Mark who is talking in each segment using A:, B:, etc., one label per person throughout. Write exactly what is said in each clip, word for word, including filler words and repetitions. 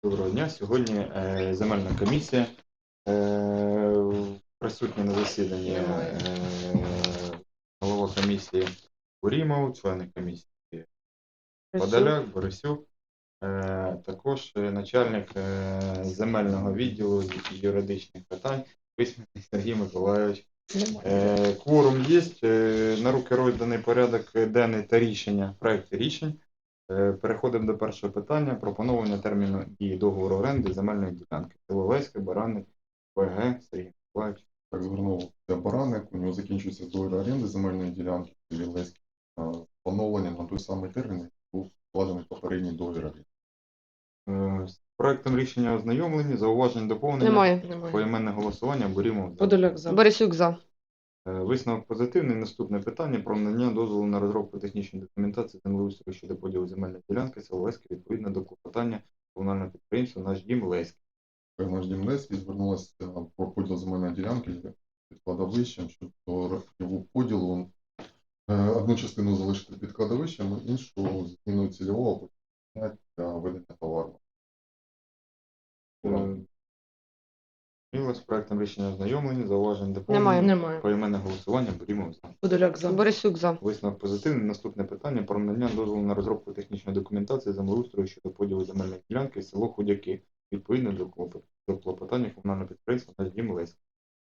A: Доброго дня. Сьогодні е, земельна комісія. Е, присутні на засіданні е, голова комісії Курімов, члени комісії Подоляк, Борисюк, е, також е, начальник е, земельного відділу з юридичних питань Письменний Сергій Миколайович. Е, кворум є. Е, на руки розданий порядок денний та рішення, проекти рішень. Переходимо до першого питання про поновлення терміну дії договору оренди земельної ділянки. Село Леське, Баранник, ВГ, Сергій Миколаївич.
B: Так, звернувся Баранник, у нього закінчується договір оренди земельної ділянки в селі Леське. Поновлення на той самий термін, який був складений попередній договір оренди.
A: З проектом рішення ознайомлені, зауважень, доповнення.
C: Немає.
A: Поіменне голосування, Борімо.
C: Подоляк за. Борисюк за.
A: Висновок позитивний. Наступне питання про надання дозволу на розробку технічної документації землеустрою щодо поділу земельної ділянки село Леське відповідно до клопотання комунального підприємства «Наш дім Леське».
B: Наш дім Леське звернулося про поділ земельної ділянки під кладовищем, щодо його поділу одну частину залишити під кладовищем, іншу зміною цільового для ведення товару.
A: З проектом рішення ознайомлені, зауважень, доповнення.
C: Немає.
A: Поіменне голосування, Борімо за.
C: Подоляк за. Борисюк за.
A: Висновок позитивний. Наступне питання про надання дозволу на розробку технічної документації землеустрою щодо поділу земельної ділянки село Худяки, відповідно до до клопотання комунального підприємства «Наш дім Леське».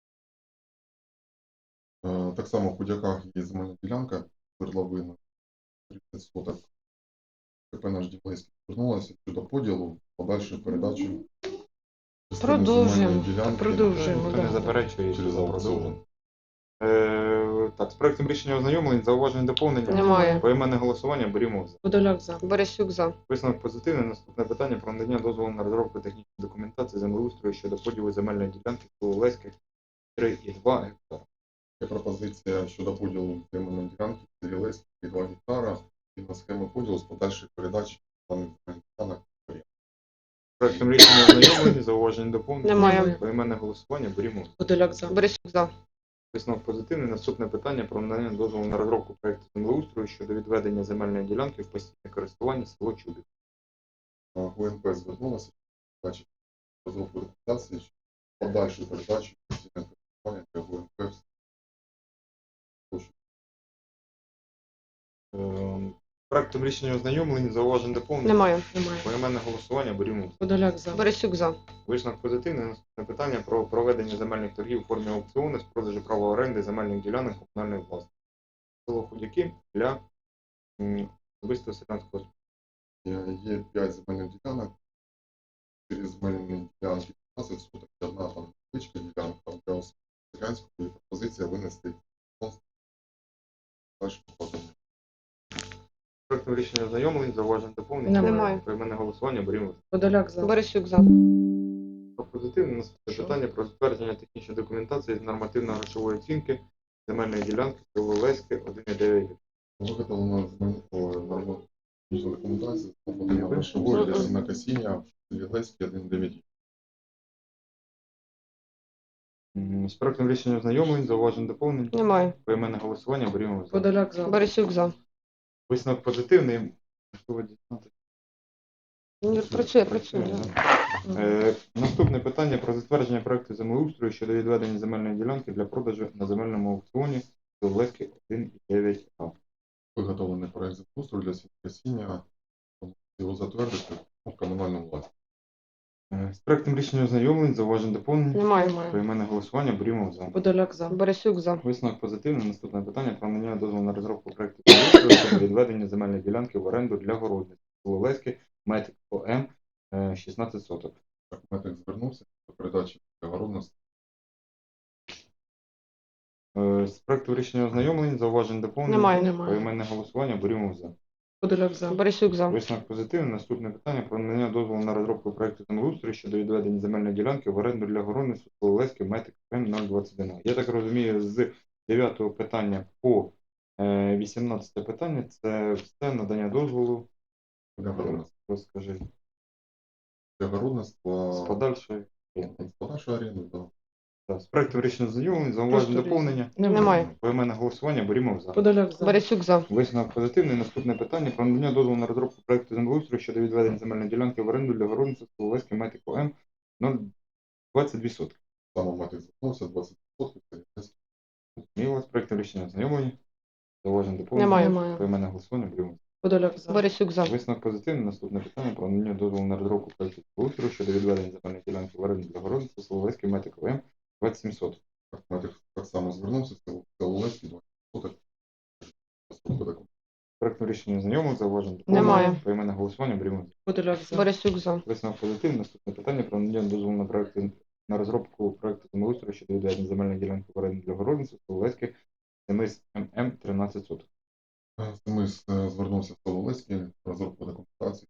B: Так само в Худяках є земельна ділянка свердловина тридцять соток. КП «Наш дім Леське» звернулося щодо поділу, подальшої передачі
C: Продовжуємо.
B: ділянки.
C: Продовжуємо.
A: Хто не заперечує,
B: Через аукціон.
A: Е, так, з проектом рішення ознайомлень, зауважень, доповнення.
C: Немає.
A: Поіменне голосування, Борімо за.
C: Подоляк за. Борисюк за.
A: Висновок позитивний. Наступне питання про надання дозволу на розробку технічної документації землеустрою щодо поділу земельної ділянки село Леське три і два гектара.
B: Є пропозиція щодо поділу земельної ділянки в селі Леське два гектара і на схему поділу з подальшої передачі даних земельних ділянок.
A: Проектом рішення ознайомлені, зауважень, доповнення.
C: Немає.
A: Поіменне голосування, Борімо за.
C: Подоляк за. Борисюк за.
A: Висновок позитивний. Наступне питання про надання дозволу на розробку проекту землеустрою щодо відведення земельної ділянки в постійне користування село Чубів.
B: ГУНП звернулася, бачить розробку документації, що подальшу передачу постійне користування для ГУНП.
A: Е, Проектом рішення ознайомлені, зауважень, доповнення.
C: Немає.
A: Поіменне голосування, Борімо за.
C: Подоляк за. Борисюк за.
A: Висновок позитивний. Наступне питання про проведення земельних торгів у формі аукціону з продажу права оренди земельних ділянок комунальної власності. Село Худяки для м, особистого селянського.
B: Є, є п'ять земельних ділянок, чотири земельні ділянки п'ятнадцять соток, і одна там невеличка ділянка для селянської, пропозиція винести дальше покладення.
A: Проектом рішення ознайомлень, зауважень, доповнення.
C: Немає.
A: Поіменне голосування, Борімо за.
C: Подоляк за. Борисюк за.
A: Позитивне. Наступне
C: Що?
A: питання про затвердження технічної документації з нормативно-грошової оцінки земельної ділянки село Леське один і дев'ять.
B: Виготовлено нормативну документацію з подання грошової для сінокосіння в селі Леське один дев'ять.
A: М, З проектом рішення ознайомлень, зауважень, доповнень.
C: Немає.
A: Поіменне голосування, Борімо за.
C: Подоляк за. Борисюк за.
A: Висновок позитивний. Можливо, дізнатися.
C: Працює, працює.
A: Е, Наступне питання про затвердження проекту землеустрою щодо відведення земельної ділянки для продажу на земельному аукціоні до Леськи один і дев'ять А.
B: Виготовлений проект землеустрою для сінокосіння, його затвердити в комунальному власності.
A: Е, З проектом рішення ознайомлень, зауважень, доповнень.
C: Немає.
A: Поіменне голосування, Борімо за.
C: Подоляк за. Борисюк за.
A: Висновок позитивний. Наступне питання про надання дозволу на розробку проекту землеустрою щодо відведення земельної ділянки в оренду для городництва село Леське, метик ОМ е, шістнадцять соток.
B: Метик звернувся до передачі огородності.
A: Е, З проекту рішення ознайомлень, зауважень, доповнень.
C: Немає.
A: Поіменне голосування, Борімо за.
C: Подоляк за. Борисюк за.
A: Висновок позитивний. Наступне питання про надання дозволу на розробку проекту землеустрою щодо відведення земельної ділянки в оренду для городництва село Леське, метик М нуль двадцять один. Я так розумію, з дев'ятого питання по е, вісімнадцяте питання це все надання дозволу.
B: Для городництва.
A: Розкажи.
B: Для
A: З
B: городництва
A: подальшої.
B: з подальшої оренди, так.
A: Так, з проектом рішення знайомлень, зауважень
D: Просто
A: доповнення.
C: Немає.
A: Поіменне голосування, Борімов за.
D: Подоляк за.
C: Борисюк за.
A: Висновок позитивний. Наступне питання про надання дозволу на розробку проекту землеустрою щодо відведення земельної ділянки в оренду для городництва Соловецький Метико М нуль двадцять два сотки.
B: Саме мати звернувся двадцять відсотків. Це якась
A: І у вас проектом рішення знайомлені. Зауважень доповнення.
C: Немає.
D: Немає.
A: Поіменне голосування, Борімов.
D: Подоляк за.
C: Борисюк за.
A: Висновок позитивний. Наступне питання про надання дозволу на розробку проекту землеустрою щодо відведення земельної ділянки в оренду для городництва Соловецький Метико М двадцять сім соток.
B: так, мати так само звернувся, це Соловецький двадцять відсотків. Розробка такого.
A: Проектом рішення знайомих, зауважень
C: Немає.
A: доповнення. Поіменне голосування, Борімов.
D: Подоляк за.
C: Борисюк за.
A: Висновок позитивний. Наступне питання про надання дозволу на проекти на розробку проекту землеустрою щодо відведення земельної ділянки в оренду для городництва Соловецький Семис ММ тринадцять соток.
B: Е, Семис е, звернувся в Соловецький, розробка документації.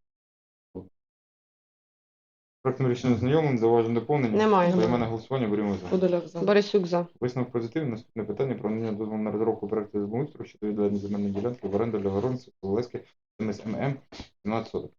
A: Проектом рішення знайомим, зауважень доповнення.
C: Немає.
A: Поіменне голосування, Борімов за.
D: Подоляк за.
C: Борисюк за.
A: Висновок позитивний. Наступне питання про надання дозволу на розробку проекту землеустрою щодо відведення земельної ділянки в оренду для городництва Соловецький Семис ММ тринадцять соток.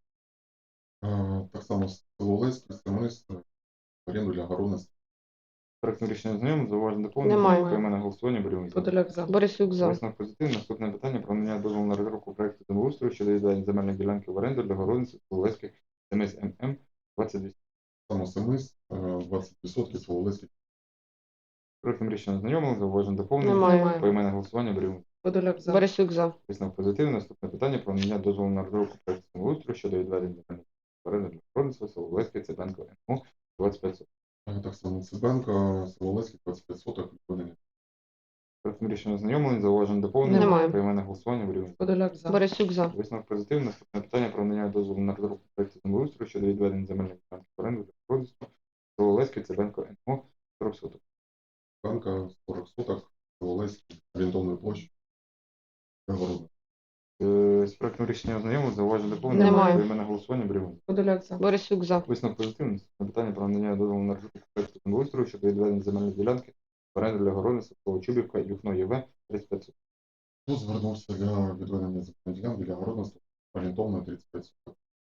B: Е, Так само Соловецький, Семис, е, в оренду для городництва.
A: Проектом рішення знайомим, зауважень доповнення.
C: Немає.
A: Поіменне голосування, Борімов за.
D: Подоляк за.
C: Борисюк за.
A: Висновок позитивний. Наступне питання про надання дозволу на розробку проекту землеустрою щодо відведення земельної ділянки в оренду для городництва Соловецький Семис ММ двадцять два.
B: Саме Семис, е, двадцять відсотків Соловецький.
A: Проектом рішення знайомих, зауважень доповнення.
C: Немає.
A: Поіменне голосування, Борімов.
D: Подоляк за.
C: Борисюк за.
A: Висновок позитивний. Наступне питання про надання дозволу на розробку проекту землеустрою щодо відведення земельної ділянки в оренду для городництва Соловецький Цибенко МО двадцять п'ять.
B: Е, Так само Цибенко, Соловецький, двадцять п'ять соток, відведення.
A: Проектом рішення знайомлень, зауважень доповнення.
C: Немає.
A: Поіменне голосування, Борімов.
D: Подоляк за.
C: Борисюк за.
A: Висновок позитивний. Наступне питання про надання дозволу на розробку проекту землеустрою щодо відведення земельної ділянки в оренду для городництва Соловецький Цибенко МО сорок соток.
B: Цибенко, сорок соток, Соловецький, орієнтовною площею. Для городництва.
A: Е, З проектом рішення ознайомив, зауважень доповнення.
C: Немає.
A: Поіменне голосування, Борімов.
D: Подоляк за.
C: Борисюк за.
A: Висновок позитивний. Наступне питання про надання дозволу на розробку проекту землеустрою щодо відведення земельної ділянки в оренду для городництва Колочубівка, Юхно ЄВ тридцять п'ять соток.
B: Тут звернувся для відведення земельної ділянки для городництва орієнтовно тридцять п'ять соток.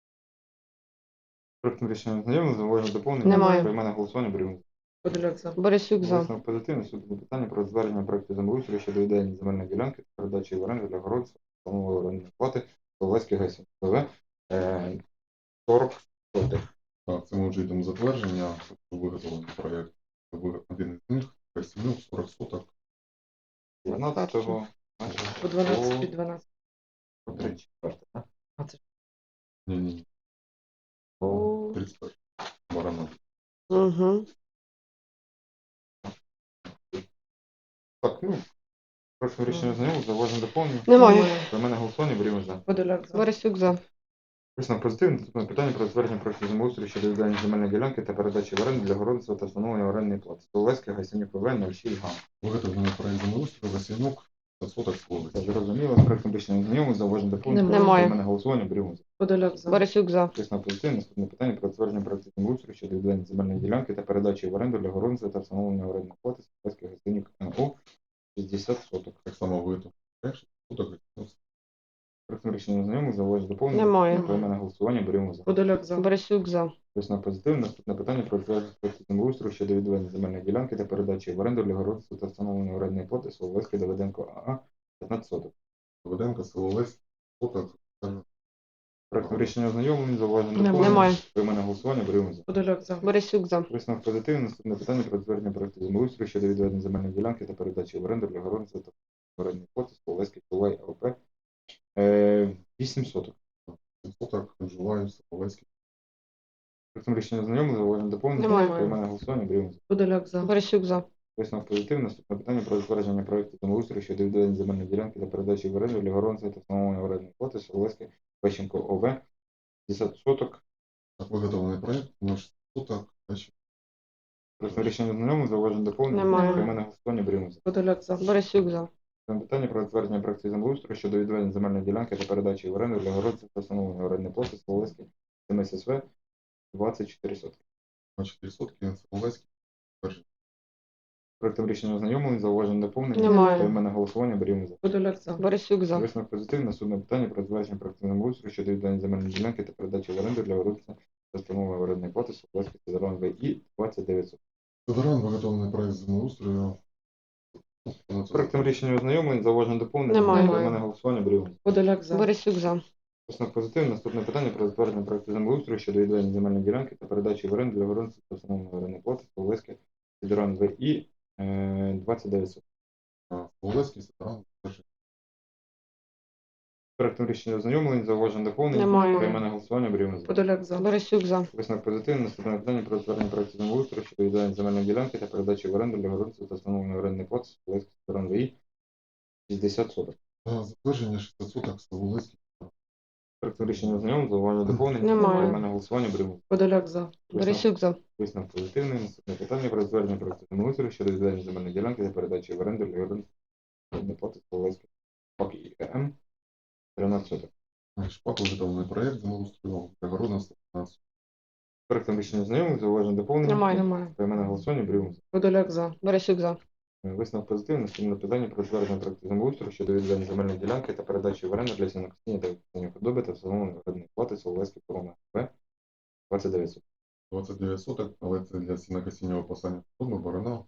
A: Проектом рішення ознайомив, зауважень доповнення.
C: Немає.
A: Поіменне голосування, Борімов.
D: Подоляк за.
C: Борисюк за.
A: Висновок позитивний. Наступне питання про звернення проекту землеустрою щодо відведення земельної ділянки та передачі в оренду для городництва встановленої орендної плати Соловецький ГЕС ВВ е, сорок соток.
B: Так, це ми вже йдемо затвердження, тобто виготовлений проєкт. Ви- Один із них, Касімюк, сорок соток.
A: дванадцятого
D: По дванадцять під дванадцять.
A: по тридцять четверте, так?
D: А це ж
B: Ні, ні, ні.
C: О.
B: тридцять п'ять. Барана.
C: Угу.
A: Так, ну, прошу рішення знайомих, зауважень доповнення.
C: Немає.
A: Про мене голосування, Борімов за.
D: Подоляк за.
C: Борисюк за.
A: Висновок позитивний. Наступне питання про затвердження проекту землеустрою щодо відведення земельної ділянки та передачі в оренду для городництва та встановлення орендної плати. Соловецький Гайсенюк ВВ нуль шість га.
B: Виготовлений проєкт землеустрою, Василюк, п'ятсот соток
A: Це
B: Соловецький.
A: зрозуміло. З проектом рішення знайомих, зауважень доповнення.
C: Немає.
A: Про мене голосування, Борімов за.
D: Подоляк за.
C: Борисюк за.
A: Висновок позитивний. Наступне питання про затвердження проекту землеустрою щодо відведення земельної ділянки та передачі в оренду для городництва та встановлення орендної плати. Соловецький Гайсенюк НО шістдесят соток.
B: Так само виготовлений проєкт, шістдесят соток.
A: Проектом рішення знайомих, зауважень доповнення.
C: Немає.
A: Про мене голосування, Борімов за.
D: Подоляк за.
C: Борисюк за.
A: Висновок позитивний. Наступне питання про затвердження проекту землеустрою щодо відведення земельної ділянки та передачі в оренду для городництва та встановлення орендної плати Соловецький Давиденко АА п'ятнадцять соток.
B: Доведенко, Соловецький, соток.
A: Проектом рішення ознайомлень, зауважень
D: Немає.
A: доповнення.
C: Немає.
A: При мене голосування, Борімов за.
D: Подоляк за.
C: Борисюк за.
A: Висновок позитивний. Наступне питання про затвердження проекту землеустрою щодо відведення земельної ділянки та передачі в оренду для городництва та орендної плати Соловецький Тулай АОП е, вісім соток.
B: Соток, Жулаєв, Соловецький.
A: Проектом рішення ознайомлень, зауважень доповнення.
C: Немає.
A: При мене голосування, Борімов за.
D: Подоляк за.
C: Борисюк за.
A: Висновок позитивний. Наступне питання про затвердження проекту землеустрою щодо відведення земельної ділянки та передачі в оренду для городництва та встановлення орендної плати Соловецький Пещенко ОВ п'ятдесят соток.
B: Так, виготовлений проєкт, наш соток. Значить,
A: Проектом рішення ознайомлень, зауважень доповнення.
C: Немає.
A: При мене голосування, Борімов за.
D: Подоляк за.
C: Борисюк за.
A: Питання про затвердження проекту землеустрою щодо відведення земельної ділянки та передачі в оренду для городництва та встановлення орендної плати Соловецький СМССВ двадцять чотири сотки.
B: двадцять чотири сотки, Соловецький.
A: Проектом рішення ознайомлень, зауважень доповнення.
C: Немає.
A: При мене голосування, Борімов за.
D: Подоляк за.
C: Борисюк за.
A: Висновок позитивний. Наступне питання про затвердження проекту землеустрою щодо відведення земельної ділянки та передачі в оренду для городництва та встановлення орендної плати Соловецький Цезарон ВІ двадцять дев'ять соток.
B: Федоран виготовлений проект землеустрою.
A: З проектом рішення ознайомлень, зауважень доповнень.
C: Немає.
A: Поіменне голосування беремо.
D: Подоляк за.
C: Борисюк за.
A: Висновок позитивний. Наступне питання про затвердження проекту землеустрою щодо відведення земельної ділянки та передачі в оренду для городництва та встановлення орендної плати Соловецьке Федоран В І е, двадцять дев'ять.
B: Соловецький Федоран перший.
A: З проектом рішення ознайомлень, зауважень доповнень.
C: Немає.
A: Поіменне голосування беремо.
D: Подоляк за.
C: Борисюк за.
A: Висновок позитивний. Наступне питання про затвердження проекту землеустрою щодо відведення земельної ділянки та передачі в оренду для городництва та встановлення орендної плати Соловецьке Федоран В І шістдесят соток.
B: Та Затвердження шістсот соток Соловецький.
A: Проектом рішення ознайомлень, зауважень доповнень.
C: Немає.
A: Поіменне голосування беремо.
D: Подоляк за.
C: Борисюк за.
A: Висновок позитивний. Наступне питання про затвердження проекту землеустрою щодо відведення земельної ділянки та передачі в оренду для городництва та орендної плати Соловецьке ПАК І К М тринадцять соток.
B: Шпак виготовлений проект землеустрою для городництва п'ятнадцять.
A: Проектом рішення знайомих, зауважень доповнення.
C: Немає.
D: Немає.
A: Поіменне голосування беремо.
D: Подоляк за.
C: Борисюк за.
A: Висновок позитивний. Наступне питання про затвердження проекту землеустрою щодо відведення земельної ділянки та передачі в оренду для сінокосіння та використання худоби та встановлення орендної плати Соловецьке Корона В двадцять дев'ять соток.
B: двадцять дев'ять соток, але це для сінокосіння випасання худоби, барана.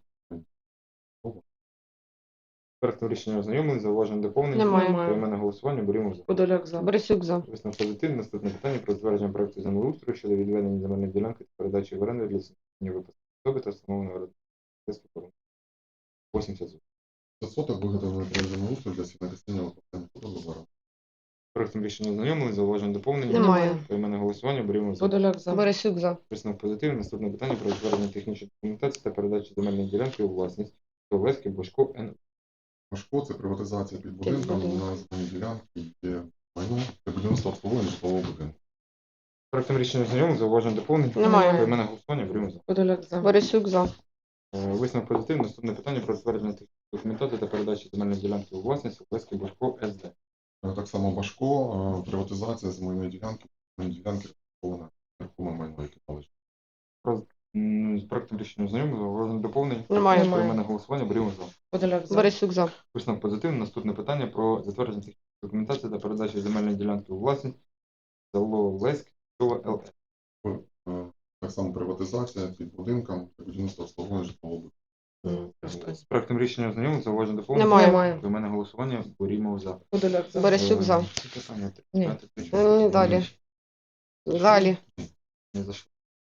A: Проектом рішення ознайомлень, зауважень доповнення.
C: Немає.
A: Поіменне голосування беремо.
D: Подоляк за.
C: Борисюк за.
A: Висновок позитивний. Наступне питання про затвердження проекту землеустрою щодо відведення земельної ділянки та передачі в оренду для сінокосіння випасання худоби та встановлення орендної плати Соловецьке Корона вісімдесят соток.
B: шістсот соток виготовлений проект землеустрою для сінокосіння випасання худоби, барана.
A: Проектом рішення ознайомлень, зауважень доповнення.
C: Немає.
A: Поіменне голосування беремо.
D: Подоляк за.
C: Борисюк за.
A: Висновок позитивний. Наступне питання про затвердження технічної документації та передачі земельної ділянки у власність Соловецьке Бошко Н.
B: Машко це приватизація під будинком
C: будинком.
B: на земельній ділянці, є майно для будівництва обслуговування житлового будинку.
A: Проектом рішення знайомих, зауважень доповнень.
C: Немає.
A: Поіменне голосування беремо.
D: Подоляк за.
C: Борисюк за.
A: Е, Висновок позитивний. Наступне питання про затвердження технічної документації та передачі земельної ділянки у власність Соловецьке Бошко С Д.
B: Е, Так само Башко, е, приватизація земельної ділянки, земельної ділянки розрахована нерухоме майно, яке належить.
A: М, З проектом рішення знайомих, зауважень доповнень.
C: Немає.
A: Поіменне голосування беремо за.
D: Подоляк за.
C: Борисюк за.
A: Висновок позитивний. Наступне питання про затвердження технічної документації та передачі земельної ділянки у власність село Леськ, село Л Е.
B: Е, Так само приватизація під будинком для будівництва обслуговування житлового будинку.
A: З проектом рішення знайомих, зауважень доповнень.
C: Немає.
D: Немає.
A: Поіменне голосування беремо за.
D: Подоляк за.
C: Борисюк за.
A: Е, ці питання
D: Ні.
A: тридцять п'ять,
C: Ні, далі. Далі.
A: Не зайшло.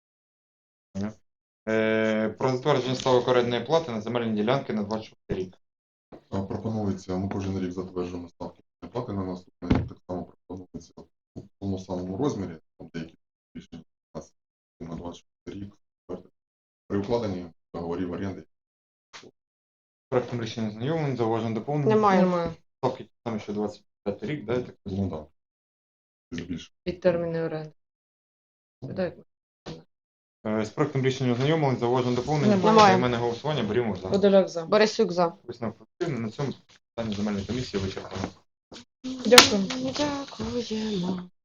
A: Е, Про затвердження ставок орендної плати на земельні ділянки на двадцять шостий рік.
B: Е, Пропонується, ми кожен рік затверджуємо ставки плати на наступний рік, так само пропонується у тому самому розмірі, там деякі рішення у нас на двадцять шостий рік, при укладенні договорів оренди.
A: Проектом рішення знайомим, зауважень доповнення.
C: Немає.
D: Немає.
A: Ставки ті самі, що двадцять п'ятий рік, да, я так розумію?
B: Ну так, більше.
D: Під терміни оренди. Видають.
A: Е, З проектом рішення ознайомились, зауважень доповнення.
C: Немає.
A: У мене голосування, беремо за.
D: Подоляк за.
C: Борисюк за.
A: Висновок позитивний. На цьому питання земельної комісії вичерпано.
D: Дякую.
C: Дякуємо.